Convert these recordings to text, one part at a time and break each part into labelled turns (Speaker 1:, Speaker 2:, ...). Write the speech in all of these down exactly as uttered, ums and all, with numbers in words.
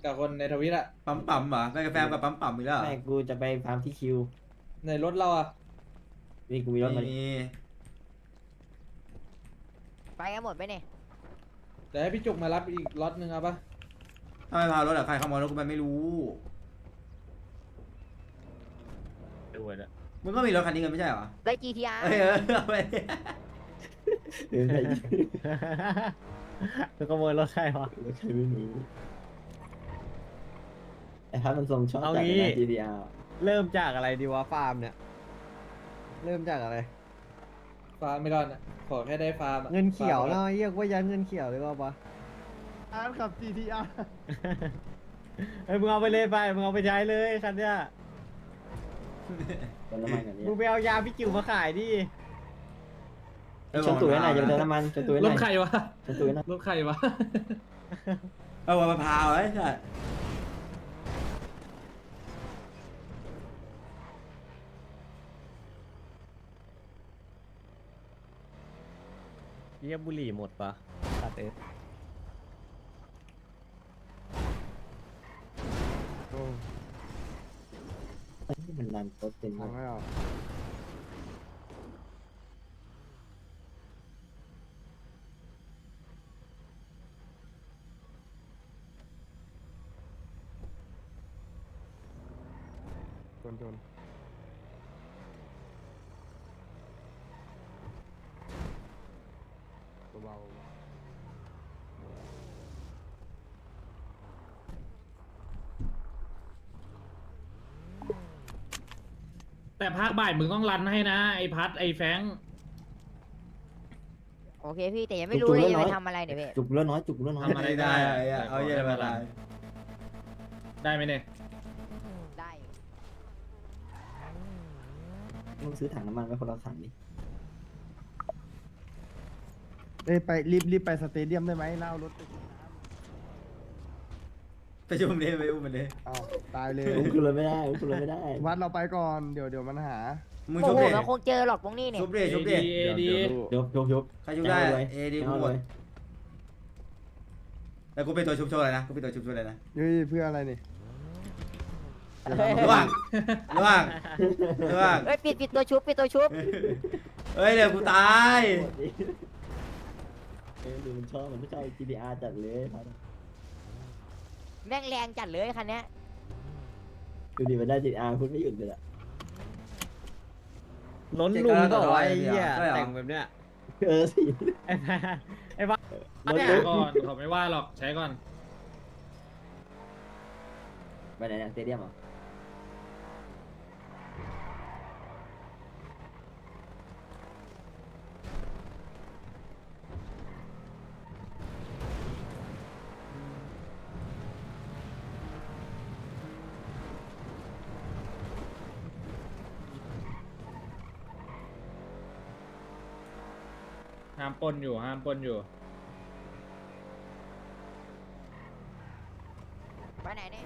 Speaker 1: กับคนในทวิตอะ
Speaker 2: ปั๊มปั๊มเหรอไปกับแฟนกับปั๊มปั๊มอีกแล้วเหรอ
Speaker 3: แม่กูจะไปฟาร์มที่คิว
Speaker 1: ในรถเราอะ
Speaker 3: นี่กูมีรถ
Speaker 2: ไม่
Speaker 3: มา
Speaker 2: มี
Speaker 4: ไปกันหมดไปเนี่ย
Speaker 1: เดี๋ยวให้พี่จุกมารับอีกล็อตหนึ่งเอาปะ
Speaker 2: ถ้าไม่พารถอะใครขโมยรถกูไปไม่รู้
Speaker 5: ดูนะ
Speaker 2: มึงก็มีรถคันนี้กันไม่ใช่เหรอ
Speaker 4: ได้ จี ที อาร์
Speaker 2: เออเออเอาไป
Speaker 3: เออใคร
Speaker 5: คือขโมยรถใครวะ
Speaker 3: ใครไม่รู้ไอ้พัดมันทรงชอบ
Speaker 5: เอา
Speaker 3: จัด
Speaker 5: งี้
Speaker 3: เลยนะ จี ที อาร์
Speaker 5: เริ่มจากอะไรดีวะฟาร์มเนี่ย เริ่มจากอะไร
Speaker 1: ฟาร์มไม่ก่อนอะขอแค่ได้ฟาร์มอะ
Speaker 5: เงินเขียว
Speaker 1: ฟาร์ม
Speaker 5: เนาะเรียกว่ายันเงินเขียวเลยว่าปะ
Speaker 6: อาร์ขับ จี ที อาร์
Speaker 5: เฮ้ยมึงเอาไปเลยไปมึงเอาไปใช้เลยคันเนี้ย
Speaker 3: เติมน้ำมันกันนี้
Speaker 5: มึงไปเอายาพี่จิ๋วมาขายดิ
Speaker 3: ชนตุ๋ยให้หน่อยจะไปเติมน้ำมันชนตุ๋ยให้ห
Speaker 1: ร
Speaker 3: น่
Speaker 1: ถ
Speaker 3: อย
Speaker 1: ใครวะ
Speaker 3: ชนตุ๋ยให้หน่อย
Speaker 1: รถใครวะ
Speaker 2: เอามะพร้าวไอ้สัส
Speaker 5: เรียบบุหรี่หมดปะตัดเอฟ
Speaker 3: เอ้ยมันรันรถเป็น
Speaker 6: ฟังไม่ออกชนชนเบาๆ
Speaker 1: แต่ภาคบ่ายมึงต้องรันให้นะไอพัดไอแฟง
Speaker 4: โอเคพี่แต่ยังไม่รู้เลยจะไปทำอะไรเนี่ยพี่
Speaker 3: จุกเลือดน้อยจุกเลือดน้อย
Speaker 1: ทำอะไรได้
Speaker 2: ไอ้อะเอาเย็นมาได้
Speaker 1: ได้ไหมเนี่ย
Speaker 4: ได้
Speaker 3: มึงซื้อถังน้ำมันไว้คนละถังดิ
Speaker 6: เอ้ยไปรีบรีบไปสเตเดียมได้ไหมเล่ารถไป
Speaker 2: ไปชุมนี้ไปอุ้มมันดิ
Speaker 6: เอาตายเลย
Speaker 3: อุ้มขึ้นรถไม่ได้อุ้มขึ้นรถไม่ได้
Speaker 6: วัดเราไปก่อนเดี๋ยวเดี๋ยวมันหา
Speaker 2: มึง
Speaker 4: โอ้
Speaker 2: ชุบ
Speaker 4: โห
Speaker 2: ดิ
Speaker 4: มันคงเจอหรอกตรงนี้เนี่ย
Speaker 2: ชุบดิชุบดิ
Speaker 1: เอดี
Speaker 3: ยกยกยก
Speaker 2: ใครชุบได้
Speaker 3: เอาเลย
Speaker 2: เอดี
Speaker 3: เอา
Speaker 2: หมด
Speaker 3: เลย
Speaker 2: แล้วกูเป็นตัวชุบโชว์เลยนะกูเป็นตัวชุบโชว์เลยนะ
Speaker 6: เฮ้ยเพื่ออะไรนี่
Speaker 2: ระหว่างระหว่างระหว่าง
Speaker 4: เฮ้ยปิดปิดตัวชุบปิดตัวชุบ
Speaker 2: เฮ้ยเดี๋ยวกูตาย
Speaker 3: เออดูมันชอบมันไม่ชอบ จี ที อาร์ จัดเลยพัด
Speaker 4: แม่งแรงจัดเลยคันเนี้ย
Speaker 3: ดูดิมันได้ จี ที อาร์ พูดไม่หยุดเลยอะ
Speaker 5: ล้นลุงก็ไอ้เหี้ยแต่งแบบเนี้ย
Speaker 3: เออสิ
Speaker 5: ไอ้บ้าไอ้บ้าร
Speaker 3: ถ
Speaker 5: เนี่ย
Speaker 3: รถ
Speaker 1: ก่อนเขาไม่ว่าหรอกใช้ก่อน
Speaker 3: ไปไหนเนี่ยสเตเดียมเหรอ
Speaker 1: ห้ามปนอยู่ห้ามปนอยู่
Speaker 4: ไปไหนเนี่ย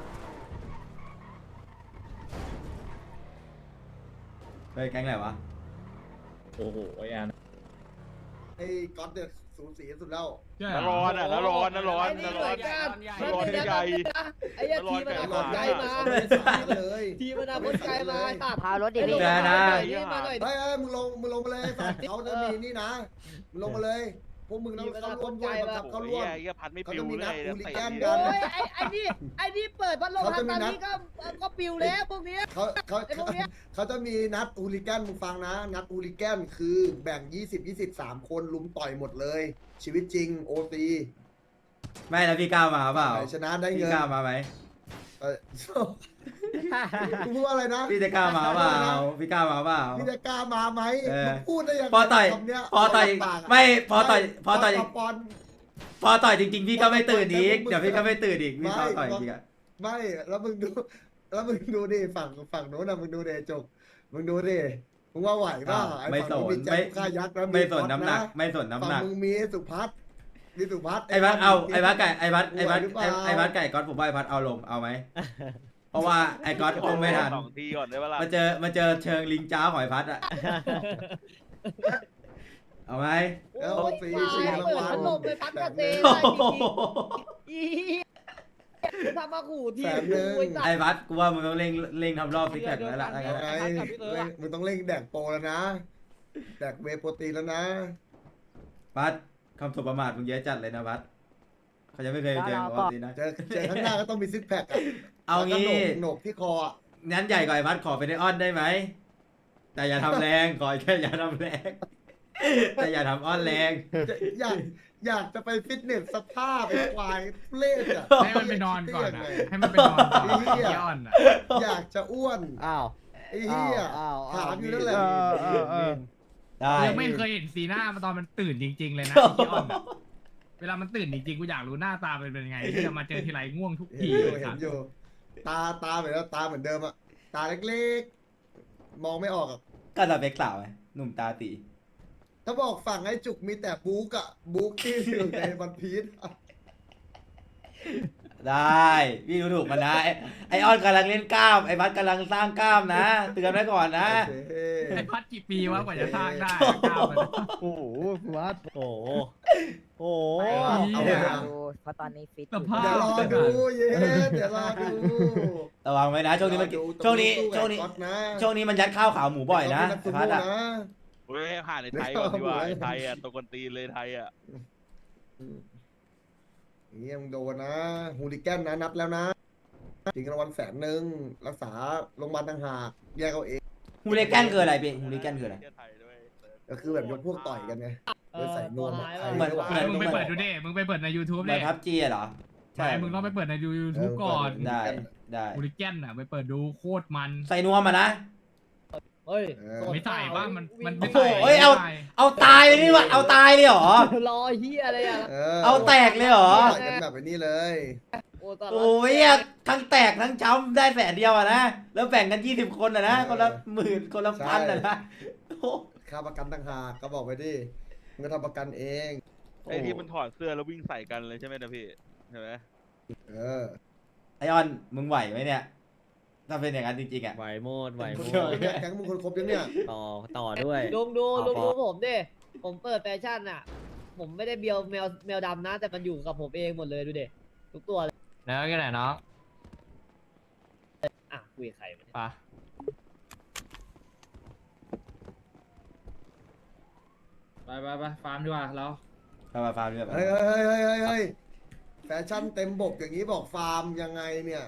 Speaker 2: เฮ้ยแก๊งไหนวะ
Speaker 1: โอ้โหไอแอน
Speaker 7: ไอ้ก๊อตเนี่ยสูสีสุดแล้ว
Speaker 8: นร้อนอ่ะนร้อนนร้อนนร้อนนร้อนใหญ่
Speaker 9: ไอ้เหี้ยทีมันเอาคนไกลมา
Speaker 7: เลย
Speaker 9: ทีมันเอาคนไกลมาตัด
Speaker 4: พารถดิพี่
Speaker 2: แกนะ
Speaker 9: นี่มาหน่อย
Speaker 7: เฮ้ยเฮ้ยมึงลงมึงลงมาเลยสัตว์เขาจะมีนี่นะมึงลงมาเลยพวกมึงต้องเข้าร่วมด้วยบังคับเข้าร่วม
Speaker 8: ไอ้พัดไม่
Speaker 7: เขา
Speaker 8: ปิ
Speaker 7: จะ
Speaker 8: ว
Speaker 7: มี
Speaker 8: เล
Speaker 7: นัด
Speaker 8: ย
Speaker 7: อูลิแกน
Speaker 9: โอ้
Speaker 7: กัน
Speaker 9: ยไอ้ไอ้นี่ไอ้นี่เปิดพัดลมทางตอนนี้ก็ก็ปิวแล้วพวกเนี้ย
Speaker 7: เขาเขา
Speaker 9: ไอ้พวกเนี้ย
Speaker 7: เขาจะมีนัดอูลิแกนมึงฟังนะ นัดอูลิแกนคือแบ่งยี่สิบ ยี่สิบ สามคนลุมต่อยหมดเลย ชีวิตจริงโอตี
Speaker 2: ไม่แล้วพี่ก้าวมาเปล่า
Speaker 7: ชนะได้
Speaker 2: พี่
Speaker 7: เงิน
Speaker 2: ก้าวมาไหม
Speaker 7: เออมึงพูดว่าอะไรนะ
Speaker 2: พี่จะกล้ามาเปล่าพี่ก้าวมาเปล่า
Speaker 7: พี่จะกล้ามาไหม
Speaker 2: เออ
Speaker 7: มึงพูดได้ยังไง
Speaker 2: พอต่อย
Speaker 7: คำเนี้ย
Speaker 2: พอต่อย
Speaker 7: ปากะ
Speaker 2: ไม่พอต่อยพอต่อย
Speaker 7: ปอน
Speaker 2: พอต่อยจริงๆพี่ก็ไม่ตื่นอีกเดี๋ยวพี่ก็ไม่ตื่นอีกพี่
Speaker 7: ไม่
Speaker 2: พอต่อยจริงๆอะ
Speaker 7: ไม่ แล้วมึงดู แล้วมึงดูดิฝั่งฝั่งโน้นนะมึงดูดิจกมึงดูดิมึงว่าไหวป่ะไอ้
Speaker 2: ไม่ส
Speaker 7: ฝั่ง
Speaker 2: น
Speaker 7: มีแจ็
Speaker 2: ไม่
Speaker 7: คข้ายักษ์แล้ว
Speaker 2: ไม่สน
Speaker 7: ก๊อต
Speaker 2: น้ำหนัก ไม่สนน้ำหนัก
Speaker 7: ฝั่งมึงมีสุพัฒน์มีสุพัฒน์
Speaker 2: ไอ้พัดเอาไอ้พัดไก่ไอ้พัด
Speaker 7: ไหว
Speaker 2: ไอ้พัด
Speaker 7: หรือเปล่า
Speaker 2: ไอ้พัดไก่ก๊อตผมว่าไอ้พัดเอาลงเอาไหมเพราะว่าไอ้ก๊อตคงไม่ทัน
Speaker 8: สองทีก่อนได้เวลา
Speaker 2: มาเจอมาเจอเชิงลิงจ้าของไอ้พัดอะเอาไหม
Speaker 7: แล้ว
Speaker 9: โอ้ย
Speaker 7: ฟรี
Speaker 9: ควา
Speaker 7: ฟรี
Speaker 9: ย
Speaker 7: ราง
Speaker 9: เปิด
Speaker 7: วัล
Speaker 9: พัดลมไปพัดกระเตง
Speaker 2: โอ้โห
Speaker 9: อีทำมาขู่ที
Speaker 7: แสนหนึ่ง
Speaker 9: ไอ้สัต
Speaker 2: ไอ้
Speaker 9: ว์
Speaker 2: พัดกูว่ามึงต้องเร่งเร่งทำรอบซิกแพคแล้วล่ะ
Speaker 7: เอาไงเร่งมึงต้องเร่งแดกโปรแล้วนะ แดกเวย์โปรตีนแล้วนะ
Speaker 2: พัดคำสบประมาทมึงเยอะจัดเลยนะพัดเขาจะไม่เคยเจอปกตินะ
Speaker 7: เจอเจอข้างหน้าก็ต้องมีซิกแพคอะ
Speaker 2: เอางี้
Speaker 7: แล้วก็โหนกโหนกที่คออะ
Speaker 2: งั้นใหญ่กว่าไอ้พัดขอเป็นไอออนได้ไหมแต่อย่าทำแรงขอแค่อย่าทำแรงแต่อย่าทำอ้อนแรง
Speaker 7: อยากอยากจะไปฟิตเนสสภาพเป็นควายเล่อะ
Speaker 1: ให้มันไปนอนก่อนอ่ะให้มันไปนอนก่อน
Speaker 7: ไอ้เหี้ย
Speaker 1: ย้อนอ่ะ
Speaker 7: อยากจะอ้วน
Speaker 3: อ้าว
Speaker 7: ไอ้เหี้ย
Speaker 3: อ้าวอ้าว
Speaker 7: ถามอยู่นั่นแหละ
Speaker 6: เออเออเออ
Speaker 2: ได้
Speaker 1: ยังไม่เคยเห็นสีหน้ามันตอนมันตื่นจริง ๆ เลยนะย้อนอะเวลามันตื่นจริงๆกูอยากรู้หน้าตาเป็นยังไงที่จะมาเจอทีไรง่วงทุก
Speaker 7: เห็
Speaker 1: ที
Speaker 7: นอยู่
Speaker 1: เลย
Speaker 7: เห็
Speaker 1: สั
Speaker 7: น
Speaker 1: ตว์
Speaker 7: อยู่ ตาตาเหมือนว่าตาเหมือนเดิมอะตาเล็กๆ มองไม่ออกอะ
Speaker 2: ก็สเปคสาวไงหนุ่มตาตี
Speaker 7: ถ้าบอกฝั่งไอ้จุกมีแต่บุ๊กอะบุ๊กที่อยู่ในวันพีชอะ
Speaker 2: ได้พี่ดูถูกมันนะไอ้ไอออนกำลังเล่นกล้ามไอ้พัดกำลังสร้างกล้ามนะเตือนไว้ก่อนนะ
Speaker 7: โอเค
Speaker 1: ไอ้พัดกี่ปีวะกว่าจะสร้างได้ก้าวมัน
Speaker 6: โอ้โหวัด
Speaker 3: โอ้โหโอ้โห
Speaker 7: เอาไปอะ
Speaker 4: ดูเพราะตอนนี้ฟิต
Speaker 1: สภาพ
Speaker 7: เดี๋ยวรอดูเย้เดี๋ยวรอดู
Speaker 2: ระวังไว้นะช่วงนี้มัน
Speaker 7: รอดู
Speaker 2: ช่วงนี้
Speaker 7: ต
Speaker 2: ช่วง
Speaker 7: ร
Speaker 2: นี้
Speaker 7: สู้กับก๊อตนะ
Speaker 2: ช่วงนี้มันยัดข้าวขาวหมูบ่อยนะ
Speaker 7: ต้ง
Speaker 2: ไอ้
Speaker 7: เป็นนักสู้
Speaker 2: พัดอะ
Speaker 7: นะ
Speaker 8: เฮ้ยหาในไทยก่อนดีกว่าไอ้ไทยอ่ะตัวคนตีนเลยไทยอ่ะ
Speaker 7: อย่างเงี้ยมึงโดนนะฮูลิแกนนะนับแล้วนะจริงรางวัลแสนหนึ่งรักษาโรงพยาบาลต่างหากแยกเอาเอง
Speaker 2: ฮูลิแกนคืออะไรพี่ฮูลิแกนคืออะไร
Speaker 8: ไทยด้วย
Speaker 7: ก็คือแบบยกพวกต่อยกันไง
Speaker 9: เอ
Speaker 7: เลย
Speaker 9: อ
Speaker 7: ใส่นวม
Speaker 9: ตัวร้าย
Speaker 7: ใคร
Speaker 2: เหมือน
Speaker 7: ไม่ไหว
Speaker 1: ไม่มึงไปเปิดดูดิมึงไปเปิดใน YouTube
Speaker 2: เหมื
Speaker 1: ดิ
Speaker 2: อนพับจีเหรอ
Speaker 1: ใช่มึงต้องไปเปิดใน YouTube ก่อน
Speaker 2: ได้ได้
Speaker 1: บูริแกนอ่ะไปเปิดดูโคตรมัน
Speaker 2: ใส่นวมมานะ
Speaker 9: เฮ้ย
Speaker 7: เออ
Speaker 1: ไม่ใส่ว่ามันมัน
Speaker 2: โอ้
Speaker 1: ไม่
Speaker 2: โห
Speaker 1: ใส่
Speaker 2: เอ้ยเอา
Speaker 1: ไม่ใส่
Speaker 2: เอาตายเลยนี่วะเอาตายเลยเหรอ
Speaker 9: รอเฮียอะไรอ่ะ
Speaker 2: เอาแตกเลยเหรอ
Speaker 7: ต่อยกันแบบนี้เลย
Speaker 9: โอ้ตอน
Speaker 2: โอ้ยอะทั้งแตกทั้งช้ำได้แสนเดียวอะนะ แล้วแบ่งกันยี่สิบคนอะนะ คนละหมื่นคนละพันอะนะโอ้
Speaker 7: ค่าประกันต่างหากก็บอกไปดิมึงก็ทำประกันเอง
Speaker 8: ไอ้ที่มันถอดเสื้อแล้ววิ่งใส่กันเลยใช่ไหมนะพี่ใช่ไหม
Speaker 7: เออ
Speaker 2: ไอออนมึงไหวไหมเนี่ย ถ้าเป็นอย่างนั้นจริงๆอะ
Speaker 3: ไหวโมดไหว
Speaker 7: ค
Speaker 3: โม
Speaker 7: นครบ
Speaker 3: ด
Speaker 7: ยังเนี่ยแก๊งมึงคนครบยังเนี่ย
Speaker 3: ต่อต่อด้วย
Speaker 9: ลุงดู
Speaker 3: เอา
Speaker 9: ลุง
Speaker 3: พ
Speaker 9: ดู
Speaker 3: อ
Speaker 9: ผมดิ ผมเปิดแฟชั่นอ่ะ ผมไม่ได้เบียวแมวแมวดำนะ แต่มันอยู่กับผมเองหมดเลยดูดิทุกตัวเลย
Speaker 1: แล้วก็ไหนเนาะ
Speaker 9: อ่ะคุยกับใครวะเนี่ย
Speaker 1: ปะไปไปไปฟาร์มดีกว่าเรา
Speaker 2: ฟาร์มฟาร์มด้วย
Speaker 7: เฮ้ยเฮ้ยเฮ้ยเฮ้ยเฮ้ยแฟชั่นเต็มบกอย่างนี้บอกฟาร์มยังไงเนี่ย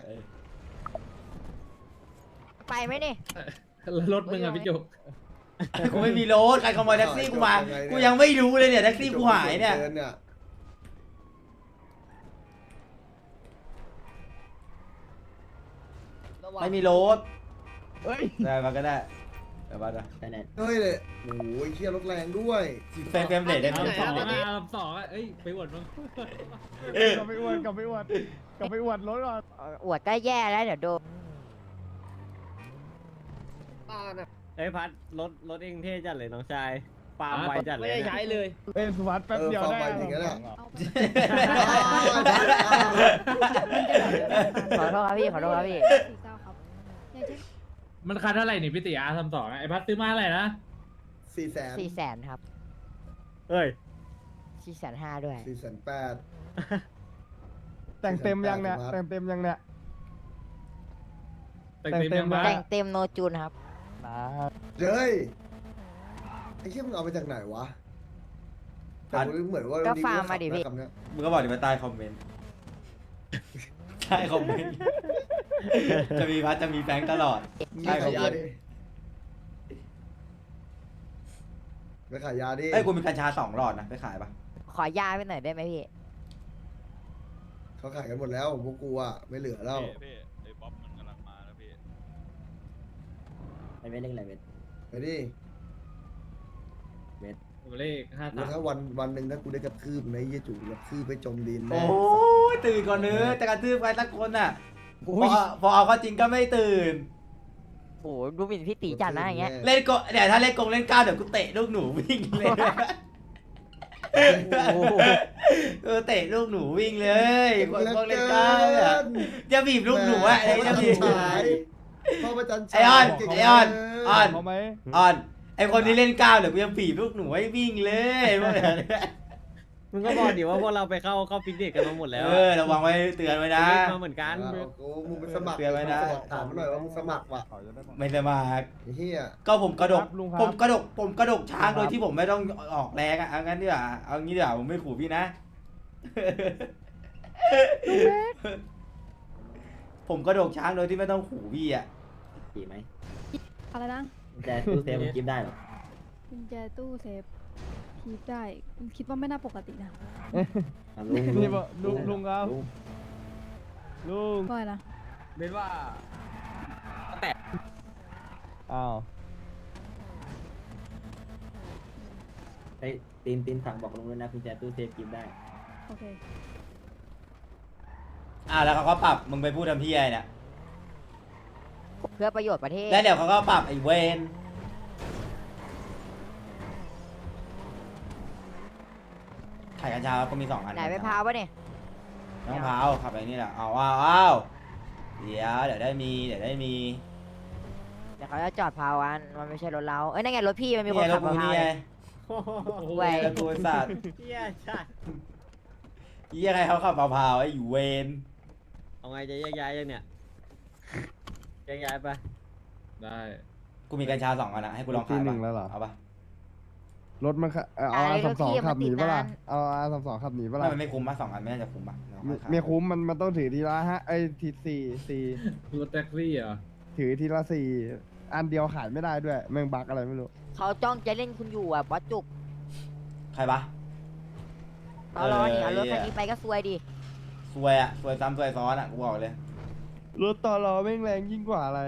Speaker 4: ไปไหมนี่
Speaker 1: รถมึงอะพี่จุก
Speaker 2: กูไม่มีรถใครขโมยแท็กซี่กูมา กูยังไม่รู้เลยเนี่ยแท็กซี่กูหายเนี่ย
Speaker 7: ดิเนี่ย
Speaker 9: ระวัง
Speaker 2: ไม่มีรถ
Speaker 6: เฮ้ย
Speaker 2: ได้มาก็ได้เดี๋ยวมาดู
Speaker 3: ได้แน่
Speaker 7: เฮ้ยเลยโอ้ยเชี่ยรถแรงด้วย
Speaker 2: เฟรมเฟรมเรทได้ไหม
Speaker 1: ลำสองอ่ะลำสองอ่ะเอ้ยไปอวดมึง
Speaker 6: กลับไปอวดกลับไปอวดกลับไปอวดรถก่อน
Speaker 4: อวดก็แย่แล้วเดี๋ยวโดน
Speaker 9: บ้านอ่ะ
Speaker 3: เฮ้ยพัดรถรถเองเท่จัดเลยน้องชายปาล์มไวจัดเล
Speaker 9: ไม่
Speaker 3: ย
Speaker 9: ได้
Speaker 3: นะ
Speaker 9: ใช้เลย
Speaker 6: เอ้ยสวัสดแป๊บเดียวได้
Speaker 7: เออฟังไปอย่างนั้นแหละ
Speaker 4: ขอโทษครับพี่ขอโทษครับพี่
Speaker 1: มันคันเท่าไหร่นี่พี่ติอาร์ทำสองไอ้พัดซื้อมาเท่าไหร่นะ
Speaker 7: สี่แสน
Speaker 4: สี่แสนครับ
Speaker 3: เฮ้ย
Speaker 4: สี่แสนห้าด้วย
Speaker 7: สี่แสนแปด
Speaker 6: แต่งเต็มยังเนี่ย
Speaker 7: ครับ
Speaker 6: แต่งเต็มยังเนี่ย
Speaker 1: แต่งเต็มยัง
Speaker 6: แต่
Speaker 1: บ้าง
Speaker 4: แต่งเต็มโนจูนครับ
Speaker 7: เฮ้ยไอ้เชี่ยมึงเอาไปจากไหนวะแต่กูเหมือนว่า
Speaker 4: ก็ฟาร์มมาดิพี่
Speaker 7: คำเนี้ย
Speaker 2: มึงก็บอกดิมาใต้คอมเมนต์ ใช่คอมเมนต์ จะมีพัดจะมีแบงค์ตลอด
Speaker 7: มึง
Speaker 2: ใช่
Speaker 7: ไป
Speaker 2: คอ
Speaker 7: ขาม ย
Speaker 2: เม
Speaker 7: ยาน ดิ
Speaker 2: ต์
Speaker 7: ไปขายยาดิ
Speaker 2: เอ้ยกูมีกัญชาสองหลอดนะไปขายปะ
Speaker 4: ขอยาไปหน่อยได้ไหมพี่
Speaker 7: เขาขายกันหมดแล้วพวกกูอะไม่เหลือแล้ว
Speaker 8: พี่พี่ไอ้บ๊อบมันกำลังมาแล้วพี่
Speaker 3: ไอเวทเล่นอะไรเวท
Speaker 7: ไปดิ
Speaker 1: เลขห้า
Speaker 7: แล้
Speaker 1: สาว ม
Speaker 7: ถ้าวันวันหนึ่งถ้ากูได้กระทืบในะไอ้เยี่ยจู่กระทืบไปจมดิน
Speaker 2: โอ้
Speaker 7: แน่
Speaker 2: ยตื่นก่อนเนื้อะแต่กระทืบใครสักคนอ่ะพอพอเอาเข้าจริงก็ไม่ตื่น
Speaker 4: โอ้โหดูหมิ่นพี่ตีจัดนะอย่างเงี้ย
Speaker 2: เล่นก็เดี๋ยวถ้าเล่นกงเล่นก้าวเดี๋ยวกูเตะลูกหนูวิ่งเลยเออเตะลูกหนูวิ่งเลยกงกงเล่นก้าวเนี่ยจะบีบลูกหนูอะไอ้จะบีบ
Speaker 7: พ่อประจัน
Speaker 2: ไอ้ออน
Speaker 7: เก่ง
Speaker 2: ไอ้ออน
Speaker 7: เกิ
Speaker 2: ออน
Speaker 6: เอาไหม
Speaker 2: ออนไอคนที่เล่นก้าวเดี๋ยวกูจะบีบลูกหนูให้วิ่งเลยพวกเนี้ย
Speaker 5: มึงก็บอกดิว่าพวกเราไปเข้าเข้าฟิตเนสกันมาหมดแล้ว
Speaker 2: เออระวังไว้เตือนไว้นะ
Speaker 5: มาเหมือนกัน
Speaker 7: เอากูมึงไปสมัคร
Speaker 2: เตือนไว้นะ
Speaker 7: ถามมาหน่อยว่ามึงสมัครว่ะ
Speaker 2: ไม่สมัคร
Speaker 7: ไอ้เหี้ย
Speaker 2: ก็ผมกระดก
Speaker 6: ครับลุงครับ
Speaker 2: ผมกระดกผมกระดกช้าง
Speaker 6: ครับ
Speaker 2: โดยที่ผมไม่ต้องออกแรงอ่ะเอางั้นดีกว่าเอางี้ดีกว่าผมไม่ขู่พี่นะ ผมกระดกช้างโดยที่ไม่ต้องขู่พี่อ่ะ
Speaker 3: ขี่ไหม
Speaker 10: อะไรนะ
Speaker 3: แต่ตู้เซฟมันกิฟได้หรอ
Speaker 10: กุญแจตู้เซฟคีบได้คิดว่าไม่น่าปกตินะ
Speaker 3: อ่ะลุง
Speaker 6: นี่บอกลุงลุงครับ
Speaker 3: ลุง
Speaker 6: ลุง
Speaker 10: ว่าอะไรนะ
Speaker 5: เบนว่า
Speaker 6: อ้าว
Speaker 3: ไอ้ยตีนตีนสั่งบอกลุงด้วยนะกุญแจตู้เซฟกิฟได้
Speaker 10: โอเค
Speaker 2: อ่าแล้วเขาก็ปรับมึงไปพูดทำพี่ไอ้เนี่ย
Speaker 4: เพื่อประโยชน์ประเทศ
Speaker 2: แล้วเดี๋ยวเขาก็ปรับไอ้เวนไข่กัญชาก็มีสองอัน
Speaker 4: ไหนไปพาวปะเนี่ย
Speaker 2: น้องพาวขับไปนี่แหละเอาว้าวอ้าวเดี๋ยวเดี๋ยวได้มีเดี๋ยวได้มี
Speaker 4: เดี๋ยวเขาจะจอดพาวกันมันไม่ใช่รถเรา เอ้ยนั่นไงรถพี่มันมีคน
Speaker 2: นี่ไงร
Speaker 4: ขั
Speaker 2: ถ
Speaker 4: บ
Speaker 2: กู
Speaker 4: มาพา
Speaker 2: นี่
Speaker 4: ว
Speaker 2: ไง
Speaker 4: เลย เว้ย
Speaker 2: รถกูไอ้สัตว์
Speaker 5: เฮียใช่
Speaker 2: ยี่ยังไงเขาขับพาวๆไอ้อยู่เวน
Speaker 5: เอาไงจะแยกย้ายยังเนี่ยแยกย้ายไป
Speaker 8: ได้
Speaker 2: กูมีกัญชาสองอันนะให้กูลอง
Speaker 6: ที
Speaker 2: ขาย
Speaker 6: ห
Speaker 2: ปะ
Speaker 6: นึ่งแล้วเหรอ
Speaker 2: เอาปะ
Speaker 6: รถมันขะเอ่อเอาอาสามสองขับหนีปะล่ะเอาอาสามสองขับหนีปะ
Speaker 2: ไม่
Speaker 6: ล่ะ
Speaker 2: มันไม่คุ้มปะสองอันไม่น่าจะคุ้มปะเดี๋ยว
Speaker 6: ไม่
Speaker 2: ค่อยขาย
Speaker 6: ไม่คุ้มมันมันต้องถือทีละฮะไอ้ทีสี่สี่
Speaker 8: รถแท็กซี่เหรอ
Speaker 6: ถือทีละสี่อันเดียวขายไม่ได้ด้วยแม่งบักอะไรไม่รู้
Speaker 4: เขาจ้องจะเล่นคุณอยู่อ่ะบอสจุก
Speaker 2: ใครปะ
Speaker 4: ตอรอนี่เอารถ
Speaker 2: เออ
Speaker 4: คันนี้ไปก็ซวยดิ
Speaker 2: ซวยอะซวยซ้ำซวยซ้อนอะกูบอกเลย
Speaker 6: รถต่อรอแม่งแรงยิ่งกว่าอะไร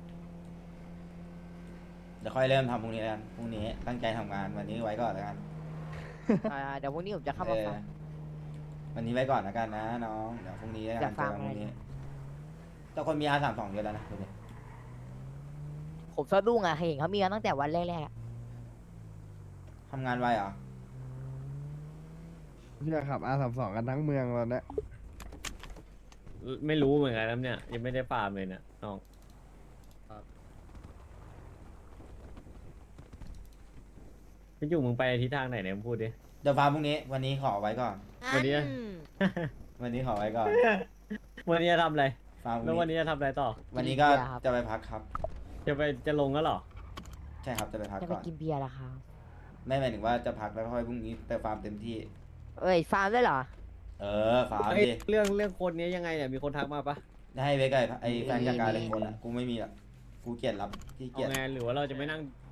Speaker 2: เดี๋ยวค่อยเริ่มทำพรุ่งนี้แล้วกันพรุ่งนี้ตั้งใจทำงานวันนี้ไว้ก่อนแล้วกัน
Speaker 4: อ่าเดี๋ยวพรุ่งนี้ผมจะเข้า
Speaker 2: เอ
Speaker 4: มา
Speaker 2: อ
Speaker 4: ฟัง
Speaker 2: วันนี้ไว้ก่อนแล้วกันนะน้องเดี๋ยวพรุ่งนี้แล้วกัน
Speaker 4: จะฟัง
Speaker 2: เจอกันพรุ่ง
Speaker 4: อะไร
Speaker 2: นี้แต่คนมีอาสามสองเยอะแล้วนะดูดิ
Speaker 4: ผมสะดุ้งอ่ะเห็นเขามีมาตั้งแต่วันแรกๆอะ
Speaker 2: ทำงานไวเหรอ
Speaker 6: พี่จะขับอาสามสองกันทั้งเมืองตอนเนี้ย
Speaker 5: ไม่รู้เหมือนกันนะเนี่ยยังไม่ได้ฟาร์มเลยเนี่ยน้องพี่จุ๋มมึงไปทิศทางไหนเนี่ยมึงพูดดิ
Speaker 2: เดี๋ยวฟาร์มพรุ่งนี้วันนี้ขอไว้ก่อน
Speaker 5: วันนี้
Speaker 4: อืม
Speaker 2: วันนี้ขอไว้ก่อน
Speaker 5: วันนี้จะทำอะไร
Speaker 2: ฟาร์มพ
Speaker 5: แล้ว
Speaker 2: รุ่
Speaker 5: วั
Speaker 2: ง
Speaker 5: น
Speaker 2: นี้
Speaker 5: นี้จะทำอะไรต่อ
Speaker 2: วันนี้ก็จะไปพักครับ
Speaker 5: จะไปจะลงแล้วเหรอ
Speaker 2: ใช่ครับจะไปพัก
Speaker 4: จะไป
Speaker 2: ก่อน
Speaker 4: กินเบียร์ละครับ
Speaker 2: ไม่หมายถึงว่าจะพักแล้วค่อยพรุ่งนี้ไปฟาร์มเต็มที่
Speaker 4: เอ้ยฟาร์มด้วยเหรอ
Speaker 2: เออฟาร์ม
Speaker 5: เอ้ย
Speaker 2: ดิ
Speaker 5: เรื่องเรื่องคนนี้ยังไงเนี่ยมีคนทักมาปะ
Speaker 2: ให้เวกไอ้ไอ้แฟนจัดการเลยคนอ่ะกูไม่มีหรอกกูเกลียดรับที่เกลีย
Speaker 5: เอา
Speaker 2: ด
Speaker 5: ไงหรือว่าเราจะไม่นั่ง